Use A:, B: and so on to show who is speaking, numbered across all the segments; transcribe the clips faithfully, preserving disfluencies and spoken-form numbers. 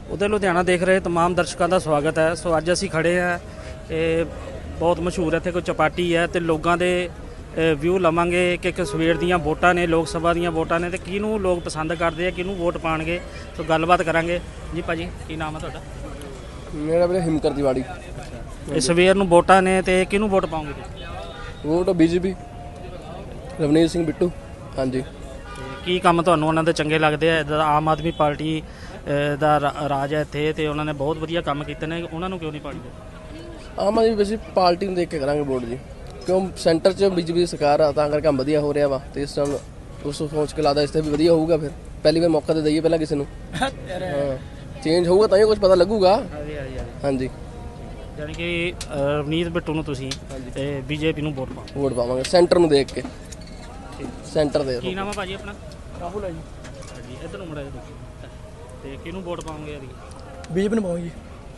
A: ਉਹਦੇ ਲੁਧਿਆਣਾ ਦੇਖ ਰਹੇ तमाम ਦਰਸ਼ਕਾਂ ਦਾ ਸਵਾਗਤ ਹੈ। ਸੋ ਅੱਜ ਅਸੀਂ ਖੜੇ ਹਾਂ, ਇਹ ਬਹੁਤ ਮਸ਼ਹੂਰ ਇੱਥੇ ਕੋਈ ਚਪਾਟੀ ਹੈ ਤੇ ਲੋਕਾਂ ਦੇ ਵਿਊ ਲਵਾਂਗੇ ਕਿ ਕਿ ਸਵੇਰ ਦੀਆਂ ਵੋਟਾਂ ਨੇ, ਲੋਕ ਸਭਾ ਦੀਆਂ ਵੋਟਾਂ ਨੇ ਤੇ ਕਿਹਨੂੰ ਲੋਕ ਪਸੰਦ ਕਰਦੇ ਆ, ਕਿਹਨੂੰ ਵੋਟ ਪਾਣਗੇ। ਸੋ ਗੱਲਬਾਤ ਕਰਾਂਗੇ ਜੀ। ਭਾਜੀ ਕੀ ਨਾਮ ਹੈ ਤੁਹਾਡਾ?
B: ਮੇਰਾ ਵੀਰੇ ਹਿਮਕਰ ਤਿਵਾੜੀ।
A: ਇਹ ਸਵੇਰ ਨੂੰ ਵੋਟਾਂ ਨੇ ਤੇ ਕਿਹਨੂੰ ਵੋਟ ਪਾਉਂਗੇ ਤੁਸੀਂ?
B: Vote BJP, Ravneet Singh Bittu. ਹਾਂਜੀ।
A: ਕੀ ਕੰਮ ਤੁਹਾਨੂੰ ਉਹਨਾਂ ਦੇ ਚੰਗੇ ਲੱਗਦੇ ਆ? ਇੱਦਾਂ ਆਮ ਆਦਮੀ ਪਾਰਟੀ ਦਾ ਰਾਜ ਹੈ ਇੱਥੇ ਤੇ ਉਹਨਾਂ ਨੇ ਬਹੁਤ ਵਧੀਆ ਕੰਮ ਕੀਤੇ ਨੇ, ਉਹਨਾਂ ਨੂੰ ਕਿਉਂ ਨਹੀਂ ਪਾਣੀ?
B: ਆਮ ਆਦਮੀ ਵੈਸੇ ਪਾਰਟੀ ਨੂੰ ਦੇਖ ਕੇ ਕਰਾਂਗੇ ਵੋਟ ਜੀ, ਕਿਉਂ ਸੈਂਟਰ 'ਚ ਬੀਜੇਪੀ ਦੀ ਸਰਕਾਰ ਆ, ਤਾਂ ਕਰਕੇ ਕੰਮ ਵਧੀਆ ਹੋ ਰਿਹਾ ਵਾ ਤੇ ਇਸ ਟਾਈਮ ਉਸ ਸੋਚ ਕੇ ਲੱਗਦਾ ਇਸ ਤੇ ਵੀ ਵਧੀਆ ਹੋਊਗਾ। ਫਿਰ ਪਹਿਲੀ ਵਾਰ ਮੌਕਾ ਦੇ ਦਈਏ ਪਹਿਲਾਂ ਕਿਸੇ ਨੂੰ, ਹਾਂ ਚੇਂਜ ਹੋਊਗਾ ਤਾਂ ਹੀ ਕੁਝ ਪਤਾ ਲੱਗੂਗਾ। ਹਾਂਜੀ,
A: ਯਾਨੀ ਕਿ ਰਵਨੀਤ ਬਿੱਟੂ ਨੂੰ ਤੁਸੀਂ ਤੇ ਬੀਜੇਪੀ ਨੂੰ ਵੋਟ ਪਾਓ?
B: ਵੋਟ ਪਾਵਾਂਗੇ ਸੈਂਟਰ ਨੂੰ ਦੇਖ ਕੇ। ਸੈਂਟਰ ਦੇ
A: ਕੀ ਨਾਮ ਹੈ ਭਾਜੀ ਆਪਣਾ?
B: ਰਾਹੁਲ ਹੈ ਜੀ।
A: ਹਾਂਜੀ, ਇੱਧਰ ਨੂੰ ਮੁੜਿਆ ਜੀ। ਤੇ ਕਿਹਨੂੰ ਵੋਟ ਪਾਉਂਗੇ? ਯਾਰੀ
B: ਬੀਜੇਪੀ ਨੂੰ ਪਾਵਾਂਗੇ ਜੀ।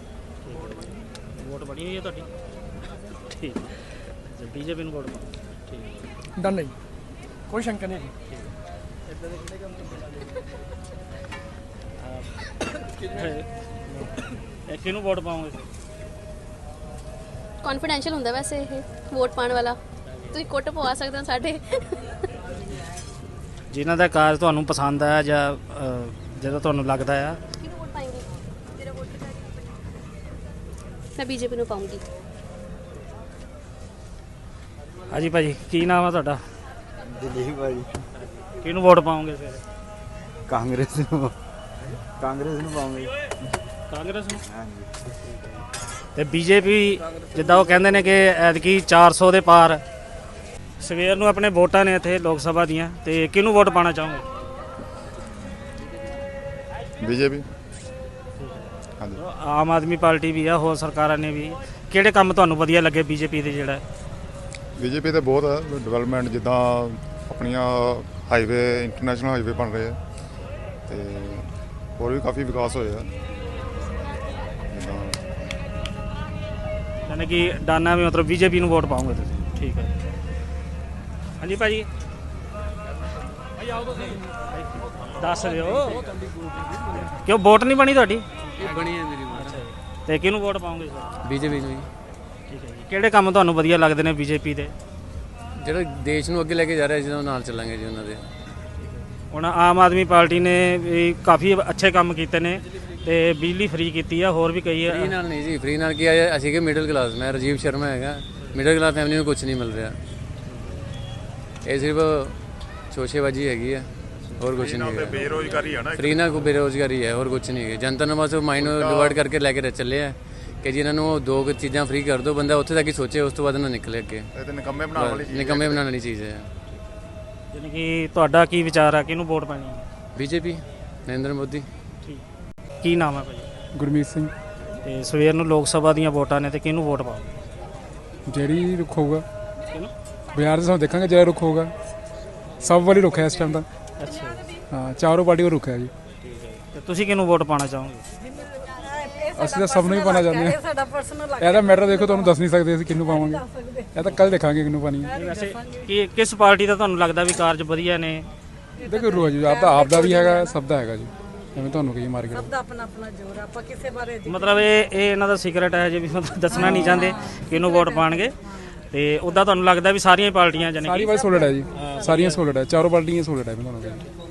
A: ਵੋਟ ਬਣੀ ਹੋਈ ਹੈ ਤੁਹਾਡੀ? ਠੀਕ ਹੈ, ਬੀਜੇਪੀ ਨੂੰ ਵੋਟ ਪਾਓ। ਠੀਕ
B: ਡਨ ਨਹੀਂ, ਕੋਈ ਸ਼ੰਕਾ ਨਹੀਂ।
A: ਇਹ ਕਿਹਨੂੰ ਵੋਟ ਪਾਉਂਗੇ?
C: ਕੌਨਫੀਡੈਂਸ਼ੀਅਲ ਹੁੰਦਾ ਵੈਸੇ ਇਹ ਵੋਟ ਪਾਉਣ ਵਾਲਾ, ਤੁਸੀਂ ਕੁੱਟ ਪਵਾ ਸਕਦੇ ਹੋ ਸਾਡੇ।
A: ਜਿਨ੍ਹਾਂ ਦਾ ਕਾਰਜ ਤੁਹਾਨੂੰ ਪਸੰਦ ਆ ਜਾਂ ਜਦੋਂ ਤੁਹਾਨੂੰ ਲੱਗਦਾ ਆ।
C: ਕਿਹਨੂੰ ਵੋਟ ਪਾਏਂਗੇ? ਤੇਰਾ ਵੋਟ ਕਿਹੜਾ? ਮੈਂ ਬੀਜੇਪੀ ਨੂੰ ਪਾਉਂਗੀ।
A: ਹਾਂਜੀ ਭਾਜੀ ਕੀ ਨਾਮ ਆ ਤੁਹਾਡਾ?
D: ਦਿਲੀਪ ਭਾਜੀ।
A: ਕਿਹਨੂੰ ਵੋਟ ਪਾਉਂਗੇ ਫਿਰ?
D: ਕਾਂਗਰਸ ਨੂੰ। ਕਾਂਗਰਸ ਨੂੰ ਪਾਉਂਗੇ।
A: ਕਾਂਗਰਸ ਨੂੰ?
D: ਹਾਂਜੀ।
A: ਤੇ ਬੀਜੇਪੀ ਜਿੱਦਾਂ ਉਹ ਕਹਿੰਦੇ ਨੇ ਕਿ ਐਤਕੀ ਚਾਰ ਸੌ ਦੇ ਪਾਰ। ਸਵੇਰ ਨੂੰ ਆਪਣੇ ਵੋਟਾਂ ਨੇ ਇੱਥੇ ਲੋਕ ਸਭਾ ਦੀਆਂ, ਤੇ ਕਿਹਨੂੰ ਵੋਟ ਪਾਉਣਾ ਚਾਹੋਗੇ?
E: ਬੀਜੇਪੀ। ਹਾਂਜੀ।
A: ਆਮ ਆਦਮੀ ਪਾਰਟੀ ਵੀ ਆ, ਹੋਰ ਸਰਕਾਰਾਂ ਨੇ ਵੀ। ਕਿਹੜੇ ਕੰਮ ਤੁਹਾਨੂੰ ਵਧੀਆ ਲੱਗੇ ਬੀਜੇਪੀ ਦੇ? ਜਿਹੜਾ
E: ਬੀਜੇਪੀ ਤੇ ਬਹੁਤ ਹੈ ਡਿਵੈਲਪਮੈਂਟ, ਜਿੱਦਾਂ ਆਪਣੀਆਂ ਹਾਈਵੇ, ਇੰਟਰਨੈਸ਼ਨਲ ਹਾਈਵੇ ਬਣ ਰਹੇ ਆ ਤੇ ਹੋਰ ਵੀ ਕਾਫੀ ਵਿਕਾਸ ਹੋਇਆ ਜਿੱਦਾਂ।
A: ਯਾਨੀ ਕਿ ਡਾਨਾ ਵੀ ਮਤਲਬ ਬੀਜੇਪੀ ਨੂੰ ਵੋਟ ਪਾਉਂਗੇ ਤੁਸੀਂ? ਠੀਕ ਹੈ। ਹਾਂਜੀ ਭਾਜੀ ਦੱਸ ਦਿਓ, ਕਿਉਂ ਵੋਟ ਨਹੀਂ ਬਣੀ ਤੁਹਾਡੀ?
B: ਬਣੀ ਹੈ ਮੇਰੀ ਵੋਟ।
A: ਤੇ ਕਿਹਨੂੰ ਵੋਟ ਪਾਉਂਗੇ ਸਰ?
B: ਬੀਜੇਪੀ ਨੂੰ ਜੀ।
A: ਠੀਕ ਹੈ ਜੀ। ਕਿਹੜੇ ਕੰਮ ਤੁਹਾਨੂੰ ਵਧੀਆ ਲੱਗਦੇ ਨੇ ਬੀਜੇਪੀ ਦੇ?
B: ਜਿਹੜਾ ਦੇਸ਼ ਨੂੰ ਅੱਗੇ ਲੈ ਕੇ ਜਾ ਰਿਹਾ ਜਿਹਨਾਂ ਨਾਲ ਚੱਲਾਂਗੇ ਜੀ ਉਹਨਾਂ ਦੇ।
A: ਹੁਣ ਆਮ ਆਦਮੀ ਪਾਰਟੀ ਨੇ ਵੀ ਕਾਫੀ ਅੱਛੇ ਕੰਮ ਕੀਤੇ ਨੇ ਤੇ ਬਿਜਲੀ ਫ੍ਰੀ ਕੀਤੀ ਆ, ਹੋਰ ਵੀ ਕਈ
B: ਫ੍ਰੀ ਨਾਲ ਨਹੀਂ ਜੀ, ਫ੍ਰੀ ਨਾਲ ਕੀ ਆ, ਅਸੀਂ ਕਿ ਮਿਡਲ ਕਲਾਸ, ਮੈਂ ਰਾਜੀਵ ਸ਼ਰਮਾ ਹੈਗਾ, ਮਿਡਲ ਕਲਾਸ ਫੈਮਿਲੀ ਨੂੰ ਕੁਝ ਨਹੀਂ ਮਿਲ ਰਿਹਾ। ਇਹ ਸਿਰਫ ਸ਼ੋਸ਼ੇਬਾਜ਼ੀ ਹੈਗੀ ਹੈ, ਹੋਰ ਕੁਝ ਨਹੀਂ ਹੈ।
E: ਬੇਰੋਜ਼ਗਾਰੀ ਹੈ ਨਾ,
B: ਫ੍ਰੀ ਨਾਲ ਕੋਈ ਬੇਰੋਜ਼ਗਾਰੀ ਹੈ, ਹੋਰ ਕੁਝ ਨਹੀਂ ਹੈ। ਜਨਤਾ ਨੂੰ ਬਸ ਮਾਈਂਡ ਨੂੰ ਡਿਵਰਟ ਕਰਕੇ ਲੈ ਕੇ ਚੱਲੇ ਆ ਕਿ ਜੀ ਇਹਨਾਂ ਨੂੰ ਦੋ ਕੁ ਚੀਜ਼ਾਂ ਫ੍ਰੀ ਕਰ ਦਿਓ, ਬੰਦਾ ਉੱਥੇ ਤੱਕ ਹੀ ਸੋਚੇ, ਉਸ ਤੋਂ ਬਾਅਦ ਨਾ ਨਿਕਲੇ ਅੱਗੇ।
E: ਇਹ ਤੇ ਨਿਕੰਮੇ ਬਣਾਉਣ ਵਾਲੀ ਚੀਜ਼ ਹੈ।
B: ਨਿਕੰਮੇ ਬਣਾਉਣ ਵਾਲੀ ਚੀਜ਼ ਹੈ।
A: ਯਾਨੀ ਕਿ ਤੁਹਾਡਾ ਕੀ ਵਿਚਾਰ ਆ, ਕਿਹਨੂੰ ਵੋਟ ਪਾਣੀ?
B: ਬੀਜੇਪੀ, ਨਰਿੰਦਰ ਮੋਦੀ।
A: ਠੀਕ। ਕੀ ਨਾਮ ਹੈ ਭਾਜੀ?
F: ਗੁਰਮੀਤ ਸਿੰਘ।
A: ਤੇ ਸਵੇਰ ਨੂੰ ਲੋਕ ਸਭਾ ਦੀਆਂ ਵੋਟਾਂ ਨੇ ਤੇ ਕਿਹਨੂੰ ਵੋਟ ਪਾਓ?
F: ਜਿਹੜੀ ਰੁੱਖ ਹੋਊਗਾ
A: ਕਿਹਨੂੰ?
F: ਬਾਜ਼ਾਰ ਦੇ ਸਾਨੂੰ ਦੇਖਾਂਗੇ, ਜਿਹੜਾ ਰੁੱਖ ਹੋਊਗਾ। ਸਭ ਵਾਲੀ ਰੁੱਖ ਹੈ ਇਸ ਟਾਈਮ ਦਾ।
A: ਅੱਛਾ,
F: ਹਾਂ, ਚਾਰੋਂ ਪਾਰਟੀ ਕੋਲ ਰੁੱਖ ਹੈ ਜੀ।
A: ਠੀਕ ਹੈ। ਤੇ ਤੁਸੀਂ ਕਿਹਨੂੰ ਵੋਟ ਪਾਉਣਾ ਚਾਹੋਗੇ?
F: ਅਸੀਂ ਤਾਂ ਸਭ ਨੂੰ ਹੀ ਪਾਉਣਾ ਚਾਹੁੰਦੇ ਹਾਂ। ਇਹਦਾ ਮੈਟਰ ਦੇਖੋ, ਤੁਹਾਨੂੰ ਦੱਸ ਨਹੀਂ ਸਕਦੇ ਅਸੀਂ ਕਿਹਨੂੰ ਪਾਵਾਂਗੇ, ਇਹ ਤਾਂ ਕੱਲ ਦੇਖਾਂਗੇ ਕਿਹਨੂੰ ਪਾਣੀ ਹੈ।
A: ਵੈਸੇ ਕੀ ਕਿਸ ਪਾਰਟੀ ਦਾ ਤੁਹਾਨੂੰ ਲੱਗਦਾ ਵੀ ਕਾਰਜ ਵਧੀਆ ਨੇ?
F: ਦੇਖੋ ਰੋਜ਼ ਜੀ, ਆਪਦਾ ਆਪ ਦਾ ਵੀ ਹੈਗਾ, ਸਭ ਦਾ ਹੈਗਾ ਜੀ, ਐਵੇਂ ਤੁਹਾਨੂੰ ਕਹੀ ਮਾਰ ਕੇ।
G: ਸਭ ਦਾ ਆਪਣਾ ਆਪਣਾ ਜ਼ੋਰ ਆ, ਆਪਾਂ ਕਿਸੇ ਬਾਰੇ
A: ਮਤਲਬ ਇਹ ਇਹ ਇਹਨਾਂ ਦਾ ਸੀਕ੍ਰੇਟ ਹੈ ਜੇ ਵੀ ਮਤਲਬ ਦੱਸਣਾ ਨਹੀਂ ਚਾਹੁੰਦੇ ਕਿਹਨੂੰ ਵੋਟ ਪਾਣਗੇ। ਤੇ ਉੱਦਾਂ ਤੁਹਾਨੂੰ ਲੱਗਦਾ ਵੀ ਸਾਰੀਆਂ ਪਾਰਟੀਆਂ ਜਾਨੀ
F: ਸਾਰੀ ਵਾਰ ਸੋਲਡ ਹੈ ਜੀ, ਸਾਰੀਆਂ ਸੋਲਡ ਹੈ, ਚਾਰੋਂ ਪਾਰਟੀਆਂ ਸੋਲਡ ਹੈ, ਮੈਂ ਤੁਹਾਨੂੰ ਕਹੀ।